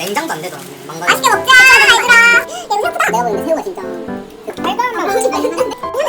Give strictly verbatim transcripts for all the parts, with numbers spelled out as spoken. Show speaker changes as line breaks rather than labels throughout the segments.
냉장도 안 되더라고. 망가져.
맛있게 먹자 얘들아. 야 이거 생각보다 내가 보는데 새우가 진짜 달달한 맛이 맛있는데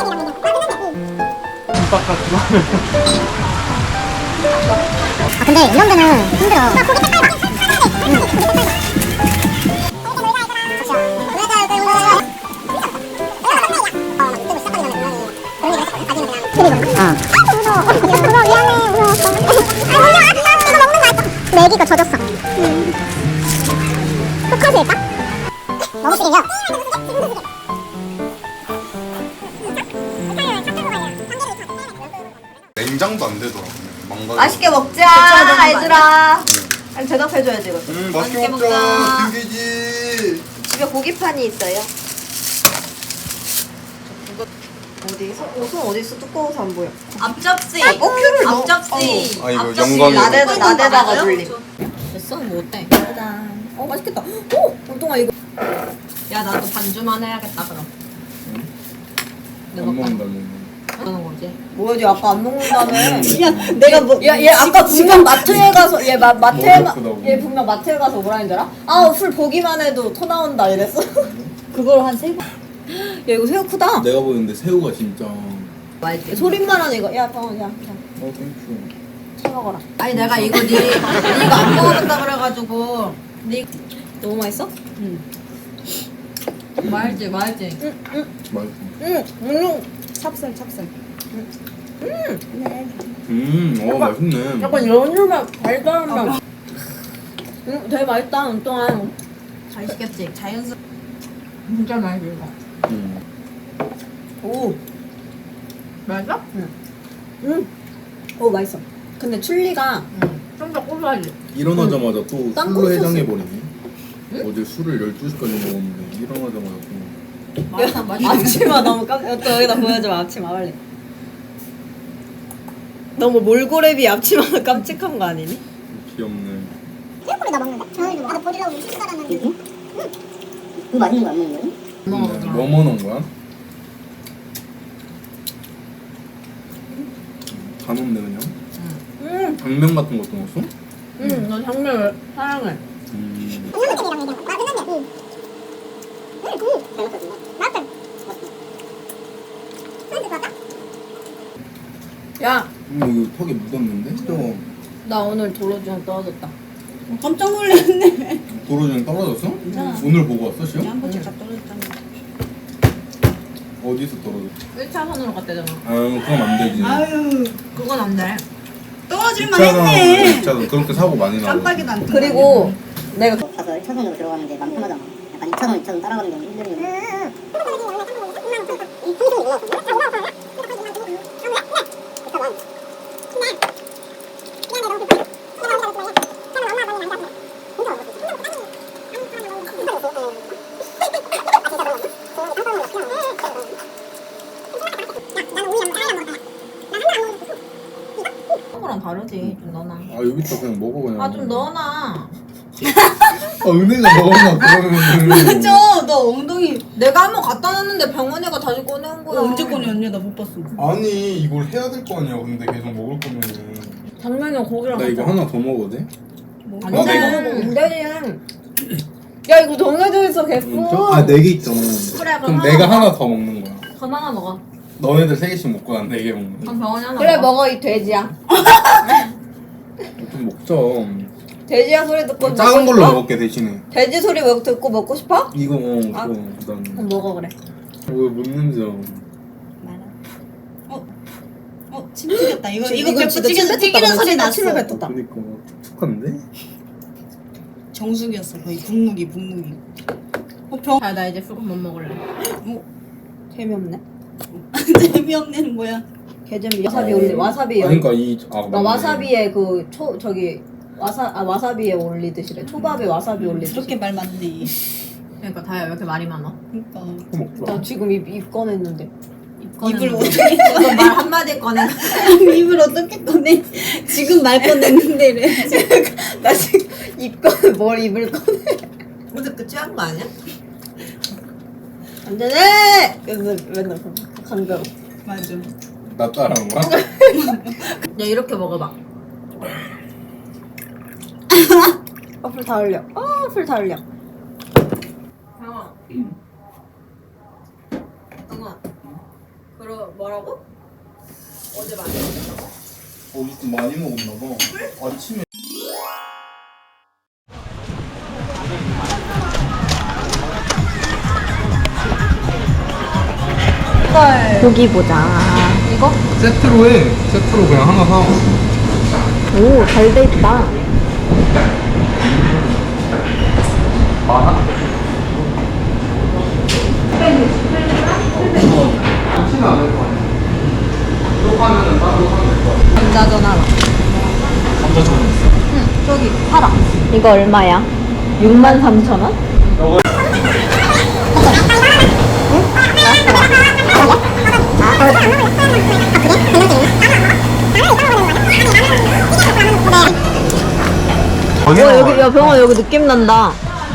아 근데 이런 데는 힘들어. 나 고기 색깔 봐. 응, 고기 색깔 봐. 내기가 젖었어. 음. 포커스일까? 너무 시리냐?
냉장도 안 되더라고. 망가져.
맛있게 먹자 얘들아. 아니 대답해줘야지 이거.
음, 맛있게 먹자. 튕기지.
집에 고기판이 있어요. 어디? 손, 손 어디 있어? 두꺼워서 안 보여.
앞접시.
어, 큐를 넣어.
앞접시.
아, 이거
앞접시
영광이다.
나대다 나대다가 돌림.
됐어? 뭐 어때?
짜잔. 어 맛있겠다. 오, 운동아 이거.
야 나도 반주만 해야겠다 그럼.
안 먹는다, 먹는.
그러는 거지.
뭐야, 얘 아까 안 먹는다며.
야 내가 뭐?
야, 얘 아까 분명 마트에 가서 얘 마, 마트에 마,
먹었구나,
얘 분명 마트에 가서 뭐라 했더라? 아, 술 보기만 해도 토 나온다 이랬어. 그걸 한 세 번. 야, 이거 새우 크다.
내가 보는데 새우가 진짜.
맛있게. 소림만한 이거. 야, 병원 야, 야,
어, 땡큐.
사 먹어라.
아니 내가 이거 니 이거 안 먹어본다 그래가지고 니
너무 맛있어?
응. 말지 말지.
맛있어.
응, 응. 찹쌀, 찹쌀.
음, 어, 맛있네.
약간 연유맛, 달달한 맛. 응, 되게 맛있다. 운동한.
잘 시켰지. 자연스. 진짜 맛있어.
음.
오,
맛있어?
응. 오, 맛있어. 근데 춘리가
응. 좀 더 고소하지.
일어나자마자 또
땅콩
술로
소스.
해장해버리네. 어제 술을 열두 시까지 먹었는데 일어나자마자 또.
맛있어 맛있어.
앞치마 너무 깜. 또 여기다 보여줘 앞치마 빨리. 너무 몰골랩이 앞치마가 깜찍한 거 아니니?
귀엽네.
새우꼬리 나 먹는데. 저희도 나도 버리라고 실수하라는.
이거? 이거 맛있는 거 안 먹는 거야?
음, 뭐 먹는 거야? 다 넣네 그냥.
응,
당면 같은 것도 넣었어?
응, 너 장면 사랑해.
음.
양념장이랑 얘기하고. 아 끝났네. 응. 응, 응. 잘 먹었어. 맛있어. 맛있어. 맞다.
야,
음, 이거 턱에 묻었는데? 또
나 오늘 도로주행 떨어졌다.
깜짝 놀랐네.
도로주행 떨어졌어?
괜찮아.
오늘 보고 왔어 시험?
한 번씩 다 떨어졌잖아.
어디서 떨어졌어?
일 차선으로 갔대잖아.
아 그럼 안 되지.
아유 그건 안 돼. 떨어질만
이차선,
했네.
이차선 그렇게 사고 많이 나와.
깜빡이도 안 뜬다.
그리고 내가
가서 일 차선으로 들어가는 게 마음 편하잖아. 약간 이 차선, 이 차선 따라가는 게 힘들면.
거랑 다르지. 좀 넣어놔.
아 여기다 그냥 먹어 그냥.
아 좀 넣어놔.
아 은혜가 먹었나 그러면.
저, 너 엉덩이 내가 한번 갖다 놨는데 병원이가 다시 꺼내온 거야. 언제 꺼내었냐? 나 못 봤어.
아니 이걸 해야 될 거 아니야. 근데 계속 먹을 거면은.
당면이랑 고기랑
나 이거
같이
하나 더 먹어도 돼?
안
아,
돼.
내가
먹으면 되지. 야 이거 정해져 있어 개뿔.
아네 개 있잖아.
그래,
그럼
그럼
내가
하나
하나 더 먹는 거야.
그럼 하나 먹어.
너네들 세 개씩 먹고 난 네 개 먹는 거야.
그럼 병원이 하나
그래
먹어.
먹어 이 돼지야.
좀 먹자.
돼지야 소리 듣고
작은
먹고
걸로
싶어?
먹을게 대신에.
돼지 소리 먹 듣고 먹고 싶어?
이거 어
아.
그거
그럼
난.
먹어 그래.
왜 먹는지 알아.
어, 침 튀겼다. 이거 이거
이거
배
진짜
튀기는
침
튀기는
뱉었다.
소리
진짜
났어.
침을 뱉었다.
그니까 툭한데?
정수기였어. 거의 북무기 북무기. 어, 병. 아, 나 이제 술못 먹을래.
재미없네.
재미없는 뭐야?
개재미. 와사비 올리 와사비.
아니 그니까 이 아,
그러니까 와사비에 그 초 저기 와사 아 와사비에 올리듯이래. 초밥에 와사비 올리듯이.
그렇게 말 많네. 그러니까 다야 왜 이렇게 말이 많아? 그러니까
먹자.
나 지금 입, 입 꺼냈는데.
입을 어떻게 말 한마디 꺼내? 입을 어떻게 꺼내? 지금 말 꺼냈는데 이래.
나 지금 입 꺼내 뭘 입을 꺼내.
어제 그 취한 거 아니야?
안 되네. 그래서 맨날 강경.
맞아.
나 따라한 거야?
야 이렇게 먹어봐.
아 불 다 흘려. 어, 불 다 흘려. 강아. 강아. 그러 뭐라고? 어제 많이 먹었다고?
어제 좀 많이 먹었나 봐. 아침에.
고기 보자. 이거?
세트로 해. 세트로 그냥 하나 사.
오, 잘 돼 있다.
많아? 많지는 않을 거 아니야. 이거 하면은 따로 하면 될 거 같아.
감자전 하나.
감자전 있어.
응, 저기 팔아. 이거 얼마야? 육만 삼천 원? 어, 여기, 야, 병원 여기 느낌 난다.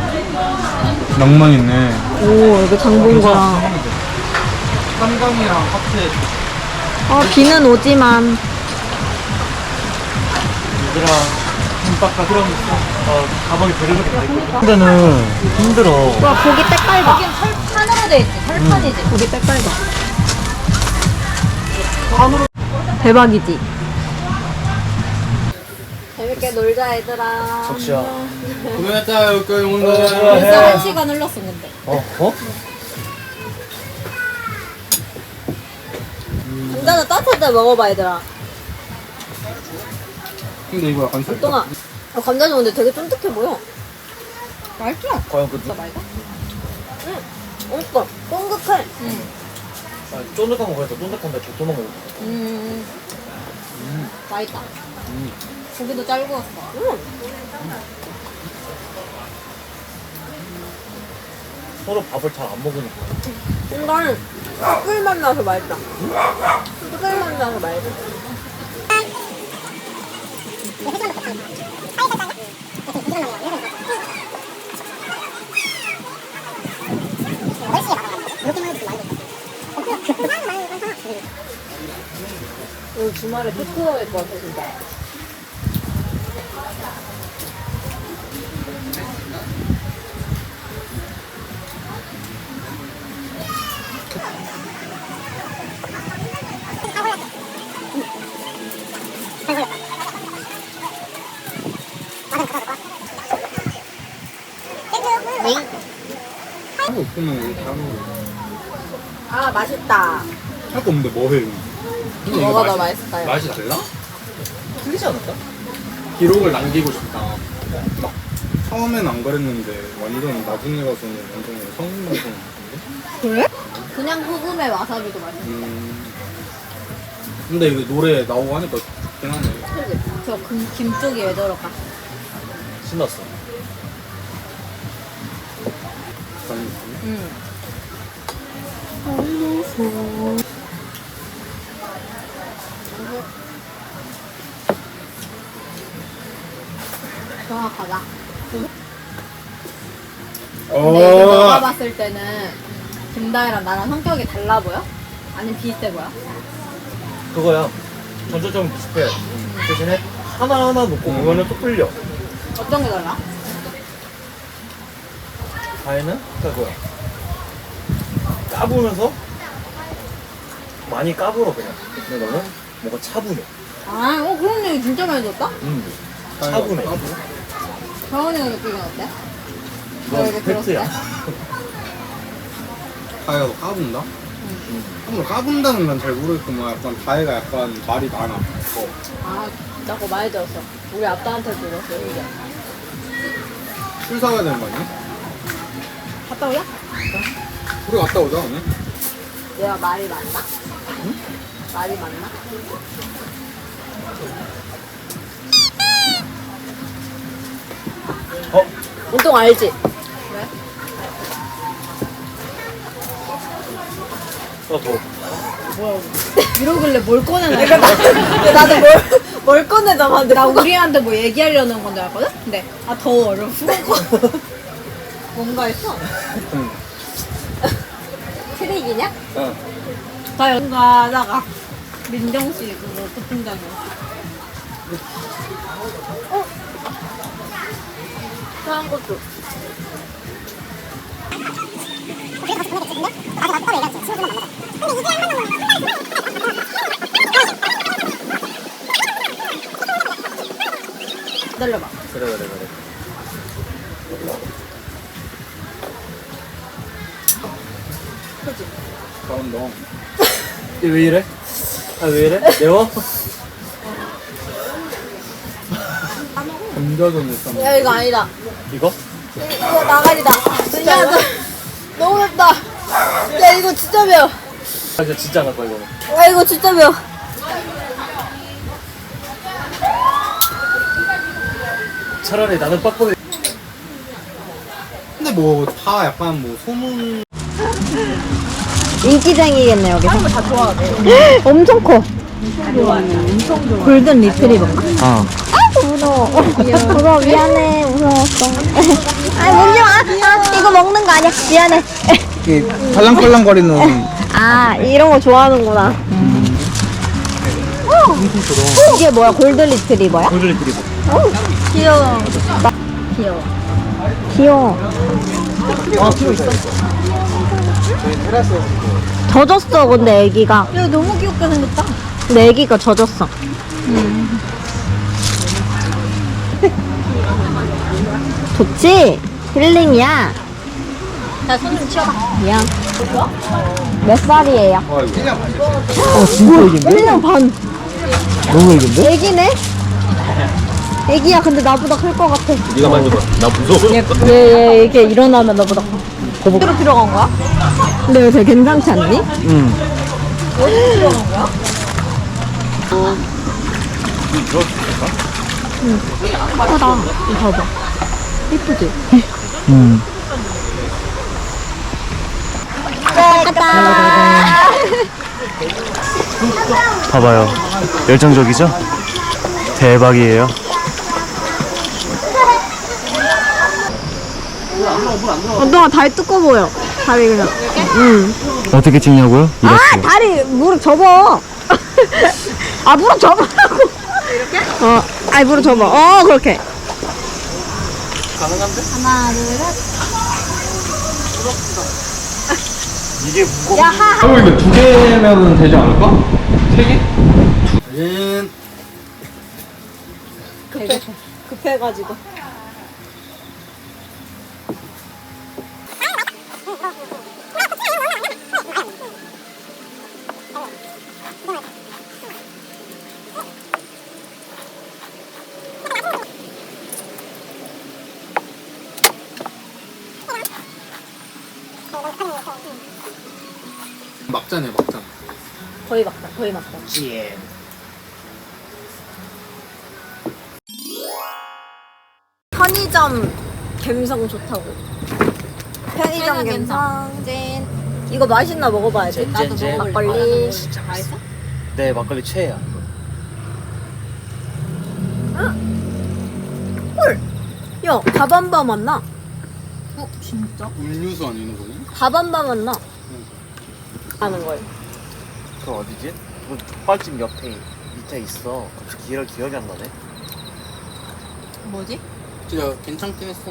낭만 있네.
오, 여기 장 본 거랑.
한강이랑 카페.
아, 비는 오지만.
얘들아, 김밥과 그럼 어, 가방에 베르르게 다 있거든. 근데는 힘들어.
와, 고기 때깔 봐. 여긴 철판으로 돼 있지, 철판이지. 고기 때깔 봐. 대박이지. 재밌게 놀자, 얘들아.
적시야.
고생했다 여기까지 온 거.
벌써 한 시간 흘렀어, 근데.
어? 어?
감자는 따뜻할 때 먹어봐, 얘들아.
근데 이거 약간 살.
동아. 아, 감자전 근데 되게 쫀득해 보여. 맛있어.
과연 그
진짜 맛있어? 응. 맛있어. 쫀득해. 응.
아, 쫀득한 거 그래서 쫀득한데 도토만 먹어.
음. 맛있다. 고기도 잘 구웠어. 응.
서로 밥을 잘 안 먹으니까.
근데 숯불맛 나서 맛있다. 숯불맛 나서 맛있어. 오늘 주말에 토크할 것 같아, 진짜.
하고 없으면 이렇게 하는 거.
아, 맛있다.
할 거 없는데 뭐 해? 근데 이거
뭐가 더
맛이-
맛있을까요?
맛이 달라?
틀리지 않을까?
기록을 남기고 싶다. 막 처음엔 안 그랬는데 완전 나중에 가서는 완전 성인 방송 같은데?
그냥 소금에 와사비도 맛있어.
음. 근데 이거 노래 나오고 하니까 좋긴 하네.
그지? 저 금, 김 쪽이 왜 저럴까?
신났어.
응. 정확하다. 근데 이거 너가 봤을 때는 김다혜랑 나랑 성격이 달라 보여? 아니면 비슷해 보여?
그거야. 전체적으로 비슷해. 대신에 하나하나 놓고 보면은 또 틀려.
어떤 게 달라?
다혜는 그거야. 까부면서 많이 까불어 그냥. 근데 너는 뭔가 차분해.
아, 어, 그런 얘기 진짜 많이 들었다?
음. 차분해.
정원이가 느끼기는 어때?
이건
이렇게
팩트야.
다혜가 너 까분다? 응. 까분다는 난 잘 모르겠지만 약간 다혜가 약간 말이 많아. 어.
아, 진짜 그거 많이 들었어. 우리 아빠한테 들었어, 이제.
술 사와야 되는 거 아니야?
갔다 오자?
우리 갔다 오자 오늘.
내가 말이 많나? 응? 말이 많나?
어?
운동 알지? 왜?
어, 더.
이러길래 뭘 꺼내나? 근데 나도 뭘, 뭘 꺼내자 봤는데 나 우리한테 뭐 얘기하려는 건 줄 알았거든? 근데 아 더워 이러고 뭔가 했어?
응.
트릭이냐?
어.
나 뭔가 하다가 민정씨 그거 도통장이었어. 어? 한 것도. 기다려봐.
그래 그래 그래.
그지?
잘한다.
왜 이래? 아 왜 이래? 매워?
감자전을 쌈.
야 이거 아니다.
이거?
이거 나가리다. 야 나, 너무 맵다. 야 이거 진짜 매워.
아 이거 진짜 안 할 거야 이거는.
야 이거 진짜 매워.
차라리 나는 빡빡이.
근데 뭐 다 약간 뭐 소문
인기쟁이겠네 여기서. 다 좋아하네. 엄청 커. 골든 리트리버인가?
어.
아이고 무서워. 무서워 미안해 무서웠어. 아 먹지 마. 아, 이거 먹는 거 아니야. 미안해.
이게 팔랑팔랑거리는
아 이런 거 좋아하는구나. 어, 이게 뭐야 골든 리트리버야?
골든 리트리버.
귀여워. 귀여워. 귀여워.
아 필요 있어?
젖었어 근데 애기가.
야 너무 귀엽게 생겼다.
근데 애기가 젖었어. 좋지? 힐링이야.
야 손 좀 치워봐.
미안. 몇 살이에요?
어 진짜 이긴데?
일 년 반.
너무 이긴데?
애기네? 애기야 근데 나보다 클 것 같아.
네가 만져봐. 나 무서워.
얘, 얘, 얘 이게 일어나면 나보다 커.
어디로 필요한 거야?
근데 왜 되게 괜찮지 않니?
응.
어디로 필요한 거야?
예쁘다. 이거 봐봐. 예쁘지?
응. 봐봐요. 열정적이죠? 대박이에요.
언동아 다리 두꺼워 보여. 다리 그냥. 응.
어떻게 찍냐고요?
아 다리 무릎 접어. 아 무릎 접으라고. 이렇게? 어. 아니 무릎 접어. 어 그렇게.
가능한데?
하나 둘 셋.
이게 무거워.
야 하.
그리고 이거 두 개면 되지 않을까? 세 개? 음.
급해. 급해가지고.
막자네 막자.
거의 막다. 거의 막다.
예.
편의점 갬성 좋다고. 편의점 갬성 찐. 이거 맛있나 먹어봐야 돼.
젠, 젠, 젠.
막걸리.
진짜
맛있어?
네 막걸리 최애야.
헐. 야 다반바 맛나.
어 진짜?
음료수 아니는 거니?
다반바 맛나. 하는 걸.
그 어디지? 그 족발집 옆에 밑에 있어. 갑자기 기억 기억이 안 나네.
뭐지?
진짜 괜찮긴 했어.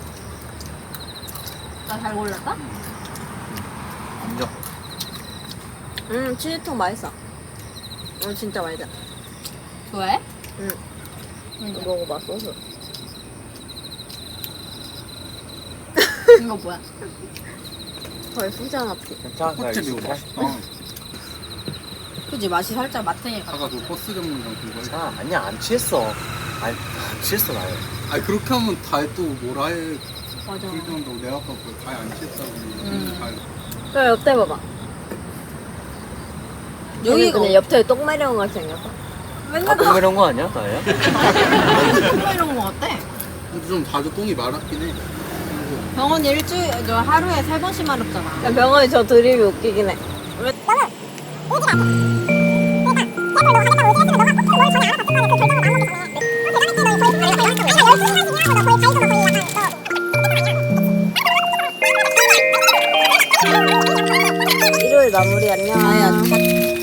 나 잘 골랐다?
인정.
음 치즈통 맛있어. 음 진짜 맛있어.
좋아해?
응. 이거 먹어봐 소스.
이거 뭐야?
거의 후장 앞이.
괜찮아.
호텔 이거 맛있다.
그지 맛이 살짝 마탱이 같아.
아까 그 버스 전문점 그거.
아 아니야 안 취했어. 아니 안 취했어 나요.
아니 그렇게 하면 다 또 뭐라 해.
맞아.
그렇게 한다고 내가 아까 그 다이 안 취했다고.
음.
다이.
그래 옆에 봐봐.
여기가
여기가 그냥 옆에 똥 마려운 거 생겼어.
맨날
아 이런 거 아니야 나야?
똥 이런 거 같아.
근데 좀 자주 똥이 마렵긴 해.
병원 일주일 저 하루에 세 번씩 마렵잖아.
야, 병원에 저 드립이 웃기긴 해. 일요일 마무리 안녕.
아야.